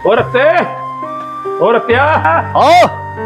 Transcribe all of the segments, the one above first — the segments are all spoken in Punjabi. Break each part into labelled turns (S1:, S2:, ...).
S1: ਓ ਰੱਤੇ ਓ ਰੱਤਿਆ
S2: ਆਓ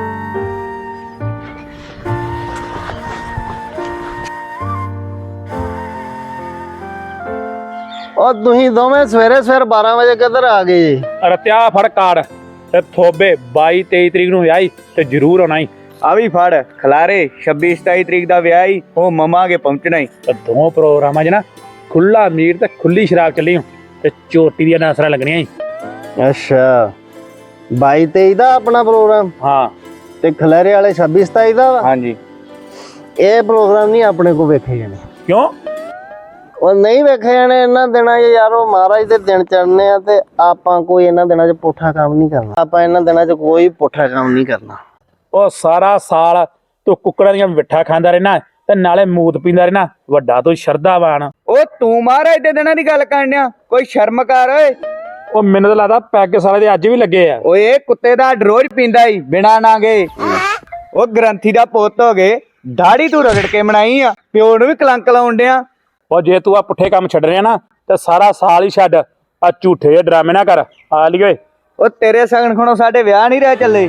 S2: ਉਹ ਤੁਸੀਂ ਦੋਵੇਂ ਸਵੇਰੇ 12 ਵਜੇ ਕਿੱਧਰ ਆ ਗਏ ਜੀ?
S1: ਰੱਤਿਆ ਫੜ ਕਾਰਡ ਤੇ ਥੋਬੇ 22 23 ਤਰੀਕ ਨੂੰ ਵਿਆਹੀ ਤੇ ਜ਼ਰੂਰ ਆਉਣਾ ਹੀ।
S3: ਆ ਵੀ ਫੜ ਖਲਾਰੇ 26 27 ਤਰੀਕ ਦਾ ਵਿਆਹ ਹੀ ਉਹ ਮਮਾ ਕੇ ਪਹੁੰਚਣਾ ਹੀ।
S1: ਤੇ ਦੋ ਪ੍ਰੋਗਰਾਮਾਂ 'ਚ ਨਾ ਖੁੱਲਾ ਮੀਟ ਤੇ ਖੁੱਲੀ ਸ਼ਰਾਬ ਚੱਲੀ ਤੇ ਚੋਟੀ ਦੀਆਂ ਨਾਸਰਾਂ ਲੱਗਣੀਆਂ ਹੀ।
S2: ਅੱਛਾ 22 23 ਦਾ ਆਪਣਾ ਪ੍ਰੋਗਰਾਮ
S1: ਹਾਂ
S2: ਤੇ ਖਲੇਰੇ ਵਾਲੇ 26 27 ਦਾ ਵਾ?
S3: ਹਾਂਜੀ
S2: ਇਹ ਪ੍ਰੋਗਰਾਮ ਨਹੀਂ ਆਪਣੇ ਕੋ ਵੇਖੇ ਜਾਣੇ।
S1: ਕਿਉਂ?
S2: ਉਹ ਨਹੀਂ ਵੇਖੇ ਜਾਣੇ ਇਹਨਾਂ ਦਿਨਾਂ 'ਚ ਯਾਰ। ਉਹ ਮਹਾਰਾਜ ਦੇ ਦਿਨ ਚੜ੍ਹਨੇ ਆ ਤੇ ਆਪਾਂ ਕੋਈ ਇਹਨਾਂ ਦਿਨਾਂ 'ਚ ਪੁੱਠਾ ਕੰਮ ਨਹੀਂ ਕਰਨਾ। ਆਪਾਂ ਇਹਨਾਂ ਦਿਨਾਂ 'ਚ ਕੋਈ ਪੁੱਠਾ ਕੰਮ ਨਹੀਂ ਕਰਨਾ।
S1: ਉਹ ਸਾਰਾ ਸਾਲ ਤੂੰ ਕੁੱਕੜਾਂ ਦੀਆਂ ਮਿੱਠਾ ਖਾਂਦਾ ਰਹਿਣਾ ਤੇ ਨਾਲੇ ਮੂਤ ਪੀਂਦਾ ਰਹਿਣਾ। ਵੱਡਾ ਤੂੰ ਸ਼ਰਧਾਵਾਨ।
S3: ਉਹ ਤੂੰ ਮਹਾਰਾਜ ਦੇ ਦਿਨਾਂ ਦੀ ਗੱਲ ਕਰਨਿਆ, ਕੋਈ ਸ਼ਰਮ ਕਰ ਓਏ।
S1: ਉਹ ਮੈਨੂੰ ਤਾਂ ਲੱਗਦਾ ਪੈਗ ਸਾਲੇ ਦੇ ਅੱਜ ਵੀ ਲੱਗੇ ਆ।
S3: ਓਏ ਕੁੱਤੇ ਦਾ ਰੋਜ਼ ਪੀਂਦਾ ਹੀ ਬਿਨਾ ਨਾਗੇ। ਉਹ ਗ੍ਰੰਥੀ ਦਾ ਪੁੱਤ ਹੋ ਗਏ, ਦਾੜੀ ਤੂੰ ਰਗੜ ਕੇ ਬਣਾਈ ਆ, ਪਿਓ ਨੂੰ ਵੀ ਕਲੰਕ ਲਾਉਣ ਡਿਆ।
S1: ਉਹ ਜੇ ਤੂੰ ਆ ਪੁੱਠੇ ਕੰਮ ਛੱਡ ਰਿਹਾ ਨਾ ਤੇ ਸਾਰਾ ਸਾਲ ਹੀ ਛੱਡ। ਆ ਝੂਠੇ ਜਿਹੇ ਡਰਾਮੇ ਨਾ ਕਰ। ਆ ਲਈ ਓਏ।
S3: ਉਹ ਤੇਰੇ ਸਗਨ ਖਣੋ ਸਾਡੇ ਵਿਆਹ ਨਹੀਂ ਰਹਿ ਚੱਲੇ।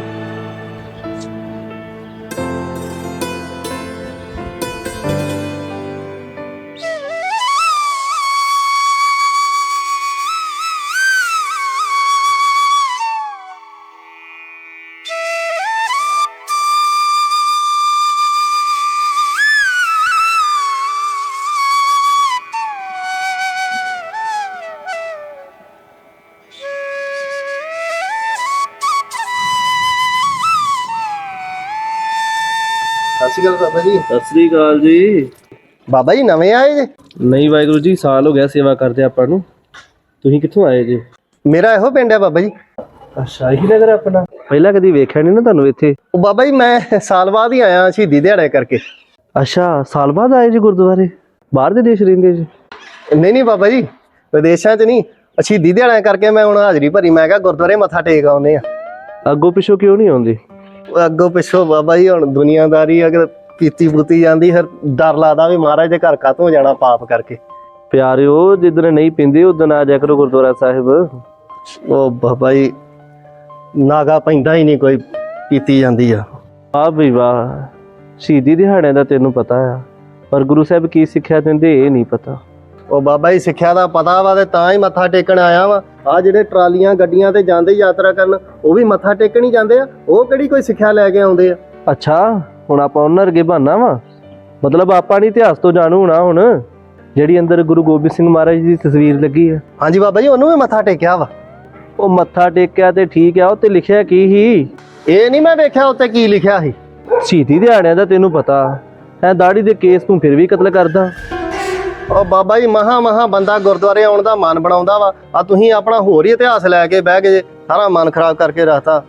S2: ਸਤਿ ਸ਼੍ਰੀ ਅਕਾਲ ਬਾਬਾ ਜੀ।
S4: ਸਤਿ ਸ੍ਰੀ ਅਕਾਲ ਜੀ।
S2: ਬਾਬਾ ਜੀ ਨਵੇਂ ਆਏ ਜੇ?
S4: ਨਹੀਂ ਵਾਹਿਗੁਰੂ ਜੀ, ਸਾਲ ਹੋ ਗਿਆ ਸੇਵਾ ਕਰਦੇ ਆਪਾਂ ਨੂੰ। ਤੁਸੀਂ ਕਿੱਥੋਂ ਆਏ ਜੀ?
S2: ਮੇਰਾ ਇਹੋ ਪਿੰਡ ਹੈ ਬਾਬਾ ਜੀ।
S4: ਅੱਛਾ, ਇਹੀ ਨਗਰ ਆਪਣਾ। ਪਹਿਲਾਂ ਕਦੀ ਵੇਖਿਆ ਨਹੀਂ ਨਾ ਤੁਹਾਨੂੰ ਇੱਥੇ।
S2: ਉਹ ਬਾਬਾ ਜੀ ਮੈਂ ਸਾਲ ਬਾਅਦ ਹੀ ਆਇਆ ਸ਼ਹੀਦੀ ਦਿਹਾੜੇ ਕਰਕੇ।
S4: ਅੱਛਾ, ਸਾਲ ਬਾਅਦ ਆਏ ਜੀ ਗੁਰਦੁਆਰੇ? ਬਾਹਰ ਦੇ ਦੇਸ਼ ਰਹਿੰਦੇ ਜੀ?
S2: ਨਹੀਂ ਬਾਬਾ ਜੀ, ਵਿਦੇਸ਼ਾਂ 'ਚ ਨਹੀਂ, ਸ਼ਹੀਦੀ ਦਿਹਾੜਿਆਂ ਕਰਕੇ ਮੈਂ ਹੁਣ ਹਾਜ਼ਰੀ ਭਰੀ। ਮੈਂ ਕਿਹਾ ਗੁਰਦੁਆਰੇ ਮੱਥਾ ਟੇਕ ਆਉਂਦੇ ਆ।
S4: ਅੱਗੋਂ ਪਿੱਛੋਂ ਕਿਉਂ ਨਹੀਂ ਆਉਂਦੇ?
S2: ਅੱਗੋਂ ਪਿੱਛੋਂ ਬਾਬਾ ਜੀ ਹੁਣ ਦੁਨੀਆਦਾਰੀ ਅਗਰ ਪੀਤੀ ਪੂਤੀ ਜਾਂਦੀ, ਫਿਰ ਡਰ ਲੱਗਦਾ ਵੀ ਮਹਾਰਾਜ ਦੇ ਘਰ ਕਾਤੋਂ ਜਾਣਾ ਪਾਪ ਕਰਕੇ।
S4: ਪਿਆਰਿਓ, ਜਿੱਦਣ ਨਹੀਂ ਪੀਂਦੇ ਉਦੋਂ ਆ ਜਾ ਕਰੋ ਗੁਰਦੁਆਰਾ ਸਾਹਿਬ।
S2: ਉਹ ਬਾਬਾ ਜੀ ਨਾਗਾ ਪੈਂਦਾ ਹੀ ਨਹੀਂ, ਕੋਈ ਪੀਤੀ ਜਾਂਦੀ ਆ।
S4: ਵਾਹ ਬਈ ਵਾਹ, ਸ਼ਹੀਦੀ ਦਿਹਾੜਿਆਂ ਦਾ ਤੈਨੂੰ ਪਤਾ ਆ, ਪਰ ਗੁਰੂ ਸਾਹਿਬ ਕੀ ਸਿੱਖਿਆ ਦਿੰਦੇ ਇਹ ਨਹੀਂ ਪਤਾ।
S2: ਉਹ ਬਾਬਾ ਜੀ ਸਿੱਖਿਆ ਦਾ ਪਤਾ ਵਾ ਤੇ ਤਾਂ ਹੀ ਮੱਥਾ ਟੇਕਣ ਆਇਆ ਵਾ। ਆ ਜਿਹੜੇ ਟਰਾਲੀਆਂ ਗੱਡੀਆਂ ਤੇ ਜਾਂਦੇ ਯਾਤਰਾ ਕਰਨ, ਉਹ ਵੀ ਮੱਥਾ ਟੇਕਣ ਹੀ ਜਾਂਦੇ ਆ। ਉਹ ਕਿਹੜੀ ਕੋਈ ਸਿੱਖਿਆ ਲੈ ਕੇ ਆਉਂਦੇ ਆ?
S4: ਅੱਛਾ, ਹੁਣ ਆਪਾਂ ਉਹਨਾਂ ਵਰਗੇ ਬਹਾਨਾ ਵਾ? ਮਤਲਬ ਆਪਾਂ ਨਹੀਂ ਇਤਿਹਾਸ ਤੋਂ ਜਾਣੂ ਹੋਣਾ ਹੁਣ? ਜਿਹੜੀ ਅੰਦਰ ਗੁਰੂ ਗੋਬਿੰਦ ਸਿੰਘ ਮਹਾਰਾਜ ਦੀ ਤਸਵੀਰ ਲੱਗੀ ਆ।
S2: ਹਾਂਜੀ ਬਾਬਾ ਜੀ, ਉਹਨੂੰ ਵੀ ਮੱਥਾ ਟੇਕਿਆ ਵਾ।
S4: ਉਹ ਮੱਥਾ ਟੇਕਿਆ ਤੇ ਠੀਕ ਆ, ਉਹ ਤੇ ਲਿਖਿਆ ਕੀ ਸੀ?
S2: ਇਹ ਨਹੀਂ ਮੈਂ ਵੇਖਿਆ ਉੱਤੇ ਕੀ ਲਿਖਿਆ ਸੀ।
S4: ਸ਼ਹੀਦੀ ਦਿਹਾੜਿਆਂ ਦਾ ਤੈਨੂੰ ਪਤਾ ਹੈ, ਦਾੜੀ ਦੇ ਕੇਸ ਤੂੰ ਫਿਰ ਵੀ ਕਤਲ ਕਰਦਾ।
S2: ਉਹ ਬਾਬਾ ਜੀ ਮਹਾ ਬੰਦਾ ਗੁਰਦੁਆਰੇ ਆਉਣ ਦਾ ਮਨ ਬਣਾਉਂਦਾ ਵਾ। ਆ ਤੁਸੀਂ ਆਪਣਾ ਹੋਰ ਹੀ ਇਤਿਹਾਸ ਲੈ ਕੇ ਬਹਿ ਗਏ, ਸਾਰਾ ਮਨ ਖਰਾਬ ਕਰਕੇ ਰੱਖਤਾ।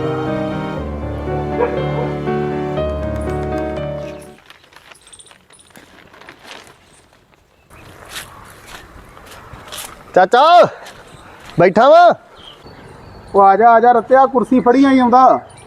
S2: ਚਾਚਾ ਬੈਠਾ ਵਾ?
S5: ਉਹ ਆ ਜਾ ਰੱਤਿਆ, ਕੁਰਸੀ ਫੜੀ ਆਈ ਆਉਂਦਾ।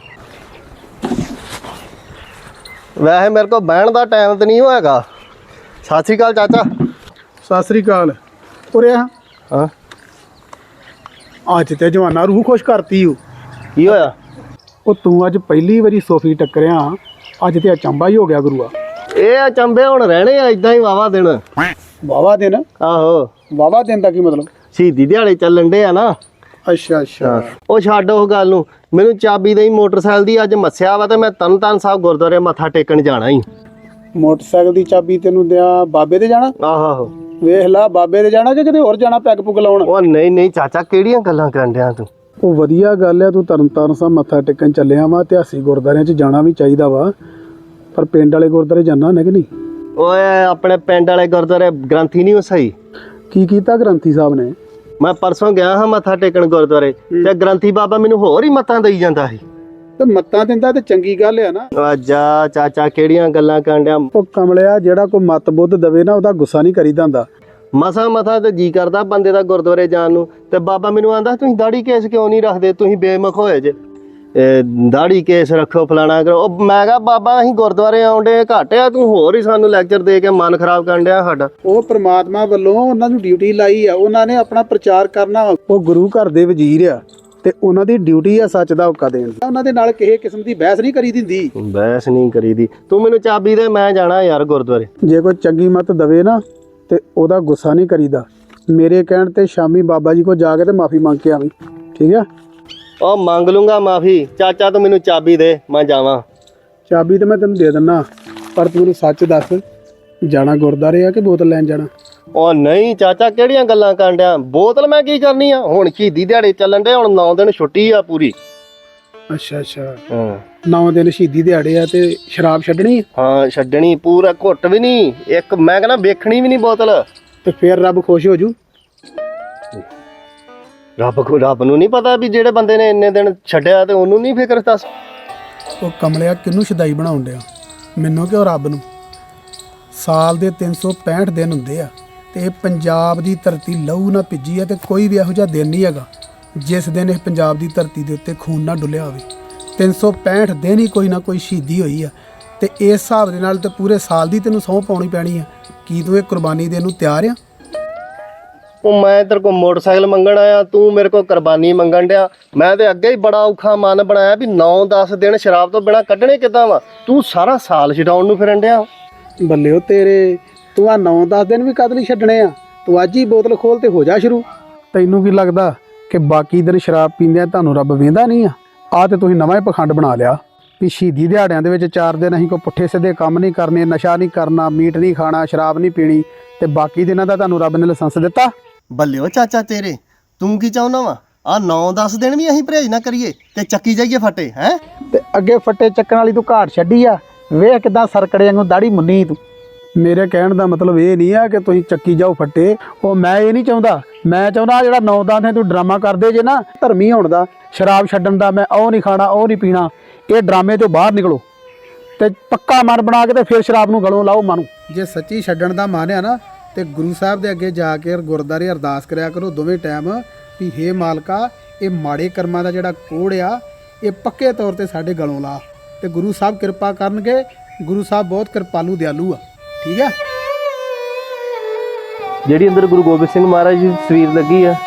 S2: ਵੈਸੇ ਮੇਰੇ ਕੋਲ ਬਹਿਣ ਦਾ ਟਾਈਮ ਤੇ ਨਹੀਂ ਹੋਏਗਾ। ਸਤਿ ਸ਼੍ਰੀ ਅਕਾਲ ਚਾਚਾ।
S5: ਸਤਿ ਸ੍ਰੀ ਅਕਾਲ। ਉਰੇ ਆ।
S2: ਹਾਂ
S5: ਅੱਜ ਤੇ ਜਵਾਨਾ ਰੂਹ ਖੁਸ਼ ਕਰਤੀ ਓ।
S2: ਕੀ ਹੋਇਆ?
S5: ਉਹ ਤੂੰ ਅੱਜ ਪਹਿਲੀ ਵਾਰੀ ਸੋਫੀ ਟੱਕਰਿਆ, ਅੱਜ ਤੇ ਅਚੰਭਾ ਹੀ ਹੋ ਗਿਆ ਗੁਰੂਆ।
S2: ਇਹ ਅਚੰਭੇ ਹੁਣ ਰਹਿਣੇ ਆ ਇਦਾਂ ਹੀ ਵਾਵਾ ਦਿਨ।
S5: ਵਾਵਾ ਦਿਨ?
S2: ਆਹੋ,
S5: ਵਾਵਾ ਦਿਨ ਦਾ ਕੀ ਮਤਲਬ?
S2: ਸ਼ਹੀਦੀ ਦਿਹਾੜੇ ਚੱਲਣ ਡੇ ਆ ਨਾ।
S5: ਅੱਛਾ।
S2: ਉਹ ਛੱਡ ਉਹ ਗੱਲ ਨੂੰ, ਮੈਨੂੰ ਚਾਬੀ ਦੇਈ ਮੋਟਰਸਾਈਕਲ ਦੀ। ਅੱਜ ਮੱਸਿਆ ਵਾ ਤੇ ਮੈਂ ਤਰਨਤਾਰਨ ਸਾਹਿਬ ਗੁਰਦੁਆਰੇ ਮੱਥਾ ਟੇਕਣ ਜਾਣਾ ਹੀ।
S5: ਮੋਟਰਸਾਈਕਲ ਦੀ ਚਾਬੀ ਤੈਨੂੰ ਦਿਆਂ ਬਾਬੇ ਦੇ ਜਾਣਾ?
S2: ਆਹੋ।
S5: ਵੇਖ ਲਾ, ਬਾਬੇ ਦੇ ਜਾਣਾ ਕਿ ਕਿਤੇ ਹੋਰ ਜਾਣਾ ਪੈਗ ਪੁਗ ਲਾਉਣ?
S2: ਉਹ ਨਹੀਂ ਚਾਚਾ, ਕਿਹੜੀਆਂ ਗੱਲਾਂ ਕਰਨ ਡਿਆ ਤੂੰ?
S5: ਉਹ ਵਧੀਆ ਗੱਲ ਆ, ਤੂੰ ਤਰਨਤਾਰਨ ਸਾਹਿਬ ਮੱਥਾ ਟੇਕਣ ਚੱਲਿਆ ਵਾ। ਇਤਿਹਾਸਿਕ ਗੁਰਦੁਆਰਿਆਂ 'ਚ ਜਾਣਾ ਵੀ ਚਾਹੀਦਾ ਵਾ, ਪਰ ਪਿੰਡ ਵਾਲੇ ਗੁਰਦੁਆਰੇ ਜਾਣਾ ਹੈ ਕਿ ਨਹੀਂ?
S2: ਓਏ ਆਪਣੇ ਪਿੰਡ ਵਾਲੇ ਗੁਰਦੁਆਰੇ ਗ੍ਰੰਥੀ ਨਹੀਂ ਉਹ ਸਹੀ।
S5: ਕੀ ਕੀਤਾ ਗ੍ਰੰਥੀ ਸਾਹਿਬ ਨੇ?
S2: ਮੈਂ ਪਰਸੋਂ ਗਿਆ ਹਾਂ ਮੱਥਾ ਟੇਕਣ ਗੁਰਦੁਆਰੇ, ਤੇ ਗ੍ਰੰਥੀ ਬਾਬਾ ਮੈਨੂੰ ਹੋਰ ਹੀ ਮੱਤਾਂ ਦੇਈ ਜਾਂਦਾ ਸੀ।
S5: ਤੇ ਮੱਤਾਂ ਦਿੰਦਾ ਤੇ ਚੰਗੀ ਗੱਲ ਆ ਨਾ।
S2: ਆ ਜਾ ਚਾਚਾ, ਕਿਹੜੀਆਂ ਗੱਲਾਂ ਕਰਨ ਡਿਆ?
S5: ਉਹ ਕਮਲਿਆ, ਜਿਹੜਾ ਕੋਈ ਮੱਤ ਬੁੱਧ ਦਵੇ ਨਾ, ਉਹਦਾ ਗੁੱਸਾ ਨਹੀਂ ਕਰੀਦਾ ਹੁੰਦਾ।
S2: ਮਸਾ ਤੇ ਜੀ ਕਰਦਾ ਬੰਦੇ ਦਾ ਗੁਰਦੁਆਰੇ ਜਾਣ ਨੂੰ, ਤੇ ਬਾਬਾ ਮੈਨੂੰ ਆਂਦਾ ਤੁਸੀਂ ਦਾੜੀ ਕੇਸ ਕਿਉਂ ਨਹੀਂ ਰੱਖਦੇ, ਤੁਸੀਂ ਬੇਮੁਖ ਹੋਏ ਜੇ, ਦਾੜੀ ਕੇਸ ਰੱਖੋ ਫਲਾਣਾ ਕਰੋ। ਉਹ ਮੈਂ ਕਿਹਾ ਬਾਬਾ ਅਸੀਂ ਗੁਰਦੁਆਰੇ ਆਉਂਦੇ ਘੱਟ ਆ, ਤੂੰ ਹੋਰ ਹੀ ਸਾਨੂੰ ਲੈਕਚਰ ਦੇ ਕੇ ਮਨ ਖਰਾਬ ਕਰਨ ਡਿਆ ਸਾਡਾ।
S5: ਉਹ ਪ੍ਰਮਾਤਮਾ ਵੱਲੋਂ ਉਹਨਾਂ ਨੂੰ ਡਿਊਟੀ ਲਾਈ ਆ, ਉਹਨਾਂ ਨੇ ਆਪਣਾ ਪ੍ਰਚਾਰ ਕਰਨਾ ਵਾ। ਉਹ ਗੁਰੂ ਘਰ ਦੇ ਵਜ਼ੀਰ ਆ, ਤੇ ਉਹਨਾਂ ਦੀ ਡਿਊਟੀ ਆ ਸੱਚ ਦਾ ਹੁਕਾ ਦੇਣ ਦੀ। ਉਹਨਾਂ ਦੇ ਨਾਲ ਕਿਸੇ ਕਿਸਮ ਦੀ ਬਹਿਸ ਨਹੀਂ ਕਰੀ ਦਿੰਦੀ।
S2: ਬਹਿਸ ਨਹੀਂ ਕਰੀਦੀ। ਤੂੰ ਮੈਨੂੰ ਚਾਬੀ ਦੇ, ਮੈਂ ਜਾਣਾ ਯਾਰ ਗੁਰਦੁਆਰੇ।
S5: ਜੇ ਕੋਈ ਚੰਗੀ ਮੱਤ ਦਵੇ ਨਾ ਤੇ ਉਹਦਾ ਗੁੱਸਾ ਨਹੀਂ ਕਰੀਦਾ। ਮੇਰੇ ਕਹਿਣ ਤੇ ਸ਼ਾਮੀ ਬਾਬਾ ਜੀ ਕੋਲ ਜਾ ਕੇ ਤੇ ਮਾਫੀ ਮੰਗ ਕੇ ਆਵੀਂ, ਠੀਕ ਆ?
S2: ਉਹ ਮੰਗ ਲੂੰਗਾ ਮਾਫੀ। ਚਾਚਾ ਤੂੰ ਮੈਨੂੰ ਚਾਬੀ ਦੇ, ਮੈਂ ਜਾਵਾਂ।
S5: ਚਾਬੀ ਤੇ ਮੈਂ ਤੈਨੂੰ ਦੇ ਦਿੰਦਾ, ਪਰ ਤੂੰ ਮੈਨੂੰ ਸੱਚ ਦੱਸ, ਜਾਣਾ ਗੁਰਦੁਆਰੇ ਆ ਕਿ ਬੋਤਲ ਲੈਣ ਜਾਣਾ?
S2: ਉਹ ਨਹੀਂ ਚਾਚਾ, ਕਿਹੜੀਆਂ ਗੱਲਾਂ ਕਰਨ ਡਿਆ? ਬੋਤਲ ਮੈਂ ਕੀ ਕਰਨੀ ਆ? ਹੁਣ ਸ਼ਹੀਦੀ ਦਿਹਾੜੇ ਚੱਲਣ ਡੇ, ਹੁਣ 9 ਦਿਨ ਛੁੱਟੀ ਆ ਪੂਰੀ।
S5: ਅੱਛਾ ਅੱਛਾ,
S2: ਹਾਂ
S5: 9 ਦਿਨ ਸ਼ਹੀਦੀ ਦਿਹਾੜੇ ਆ ਤੇ ਸ਼ਰਾਬ ਛੱਡਣੀ ਆ?
S2: ਹਾਂ ਛੱਡਣੀ, ਪੂਰਾ ਘੁੱਟ ਵੀ ਨਹੀਂ, ਇੱਕ ਮੈਂ ਕਹਿੰਦਾ ਵੇਖਣੀ ਵੀ ਨਹੀਂ ਬੋਤਲ।
S5: ਤੇ ਫਿਰ ਰੱਬ ਖੁਸ਼ ਹੋ ਜੂ।
S2: ਰੱਬ ਨੂੰ ਨਹੀਂ ਪਤਾ ਵੀ ਜਿਹੜੇ ਬੰਦੇ ਨੇ ਇੰਨੇ ਦਿਨ ਛੱਡਿਆ ਤੇ ਉਹਨੂੰ ਨਹੀਂ ਫਿਕਰ? ਦੱਸ
S5: ਉਹ ਕਮਲਿਆ ਕਿਹਨੂੰ ਸ਼ਦਾਈ ਬਣਾਉਣ ਡਿਆ, ਮੈਨੂੰ ਕਿ ਉਹ ਰੱਬ ਨੂੰ? ਸਾਲ ਦੇ 365 ਦਿਨ ਹੁੰਦੇ ਆ ਤੇ ਇਹ ਪੰਜਾਬ ਦੀ ਧਰਤੀ ਲਹੂ ਨਾ ਭਿੱਜੀ ਆ ਤੇ ਕੋਈ ਵੀ ਇਹੋ ਜਿਹਾ ਦਿਨ ਨਹੀਂ ਹੈਗਾ ਜਿਸ ਦਿਨ ਇਹ ਪੰਜਾਬ ਦੀ ਧਰਤੀ ਦੇ ਉੱਤੇ ਖੂਨ ਨਾ ਡੁੱਲਿਆ ਹੋਵੇ। 365 ਦਿਨ ਹੀ ਕੋਈ ਨਾ ਕੋਈ ਸ਼ਹੀਦੀ ਹੋਈ ਆ ਤੇ ਇਸ ਹਿਸਾਬ ਦੇ ਨਾਲ ਤੇ ਪੂਰੇ ਸਾਲ ਦੀ ਤੈਨੂੰ ਸਹੁੰ ਪਾਉਣੀ ਪੈਣੀ ਆ। ਕੀ ਤੂੰ ਇਹ ਕੁਰਬਾਨੀ ਦੇਣ ਨੂੰ ਤਿਆਰ ਆ?
S2: ਉਹ ਮੈਂ ਤੇਰੇ ਕੋਲ ਮੋਟਰਸਾਈਕਲ ਮੰਗਣ ਆਇਆ, ਤੂੰ ਮੇਰੇ ਕੋਲ ਕੁਰਬਾਨੀ ਮੰਗਣ ਡਿਆ। ਮੈਂ ਤੇ ਅੱਗੇ ਹੀ ਬੜਾ ਔਖਾ ਮਨ ਬਣਾਇਆ ਵੀ 9-10 ਦਿਨ ਸ਼ਰਾਬ ਤੋਂ ਬਿਨਾ ਕੱਢਣੇ ਕਿੱਦਾਂ ਵਾ? ਤੂੰ ਸਾਰਾ ਸਾਲ ਛਡਾਉਣ ਨੂੰ ਫਿਰਨ ਡਿਆ।
S5: ਬੱਲੇ ਉਹ ਤੇਰੇ, ਤੂੰ ਆ 9-10 ਦਿਨ ਵੀ ਕਦ ਲਈ ਛੱਡਣੇ ਆ? ਤੂੰ ਅੱਜ ਹੀ ਬੋਤਲ ਖੋਲ ਤੇ ਹੋ ਜਾ ਸ਼ੁਰੂ। ਤੈਨੂੰ ਕੀ ਲੱਗਦਾ ਕਿ ਬਾਕੀ ਦਿਨ ਸ਼ਰਾਬ ਪੀਂਦਿਆਂ ਤੁਹਾਨੂੰ ਰੱਬ ਵੇਂਦਾ ਨਹੀਂ ਆ? ਆ ਤੇ ਤੁਸੀਂ ਨਵਾਂ ਹੀ ਪਖੰਡ ਬਣਾ ਲਿਆ ਵੀ ਸ਼ਹੀਦੀ ਦਿਹਾੜਿਆਂ ਦੇ ਵਿੱਚ 4 ਦਿਨ ਅਸੀਂ ਕੋਈ ਪੁੱਠੇ ਸਿੱਧੇ ਕੰਮ ਨਹੀਂ ਕਰਨੇ, ਨਸ਼ਾ ਨਹੀਂ ਕਰਨਾ, ਮੀਟ ਨਹੀਂ ਖਾਣਾ, ਸ਼ਰਾਬ ਨਹੀਂ ਪੀਣੀ, ਤੇ ਬਾਕੀ ਦਿਨਾਂ ਦਾ ਤੁਹਾਨੂੰ ਰੱਬ ਨੇ ਲਾਇਸੈਂਸ ਦਿੱਤਾ।
S2: ਬੱਲਿਓ ਚਾਚਾ ਤੇਰੇ, ਤੂੰ ਕੀ ਚਾਹੁੰਦਾ ਵਾ? ਆ 9-10 ਦਿਨ ਵੀ ਅਸੀਂ ਪਰਹੇਜ ਨਾ ਕਰੀਏ ਤੇ ਚੱਕੀ ਜਾਈਏ ਫੱਟੇ ਹੈ?
S5: ਤੇ ਅੱਗੇ ਫੱਟੇ ਚੱਕਣ ਵਾਲੀ ਤੂੰ ਘਾਟ ਛੱਡੀ ਆ, ਵੇਖ ਕਿਦਾਂ ਸਰਕੜੇ ਵਾਂਗੂ ਦਾੜੀ ਮੁੰਨੀ ਤੂੰ। ਮੇਰੇ ਕਹਿਣ ਦਾ ਮਤਲਬ ਇਹ ਨਹੀਂ ਆ ਕਿ ਤੁਸੀਂ ਚੱਕੀ ਜਾਓ ਫੱਟੇ, ਉਹ ਮੈਂ ਇਹ ਨਹੀਂ ਚਾਹੁੰਦਾ। ਮੈਂ ਚਾਹੁੰਦਾ ਜਿਹੜਾ 9-10 ਦਿਨ ਤੂੰ ਡਰਾਮਾ ਕਰਦੇ ਜੇ ਨਾ ਧਰਮੀ ਹੋਣ ਦਾ, ਸ਼ਰਾਬ ਛੱਡਣ ਦਾ, ਮੈਂ ਉਹ ਨਹੀਂ ਖਾਣਾ, ਉਹ ਨਹੀਂ ਪੀਣਾ, ਇਹ ਡਰਾਮੇ ਤੋਂ ਬਾਹਰ ਨਿਕਲੋ ਤੇ ਪੱਕਾ ਮਨ ਬਣਾ ਕੇ ਤੇ ਫਿਰ ਸ਼ਰਾਬ ਨੂੰ ਗਲੋਂ ਲਾਓ ਮਨ। ਜੇ ਸੱਚੀ ਛੱਡਣ ਦਾ ਮਨ ਆ ਨਾ ਤੇ ਗੁਰੂ ਸਾਹਿਬ ਦੇ ਅੱਗੇ ਜਾ ਕੇ ਗੁਰਦੁਆਰੇ ਅਰਦਾਸ ਕਰਿਆ ਕਰੋ ਦੋਵੇਂ ਟਾਈਮ ਵੀ ਹੇ ਮਾਲਕਾ, ਇਹ ਮਾੜੇ ਕਰਮਾਂ ਦਾ ਜਿਹੜਾ ਕੋੜ ਆ ਇਹ ਪੱਕੇ ਤੌਰ ਤੇ ਸਾਡੇ ਗਲੋਂ ਲਾ, ਤੇ ਗੁਰੂ ਸਾਹਿਬ ਕਿਰਪਾ ਕਰਨਗੇ। ਗੁਰੂ ਸਾਹਿਬ ਬਹੁਤ ਕਿਰਪਾਲੂ ਦਿਆਲੂ ਆ, ਠੀਕ ਆ?
S4: ਜਿਹੜੀ ਅੰਦਰ ਗੁਰੂ ਗੋਬਿੰਦ ਸਿੰਘ ਮਹਾਰਾਜ ਦੀ ਤਸਵੀਰ ਲੱਗੀ ਆ,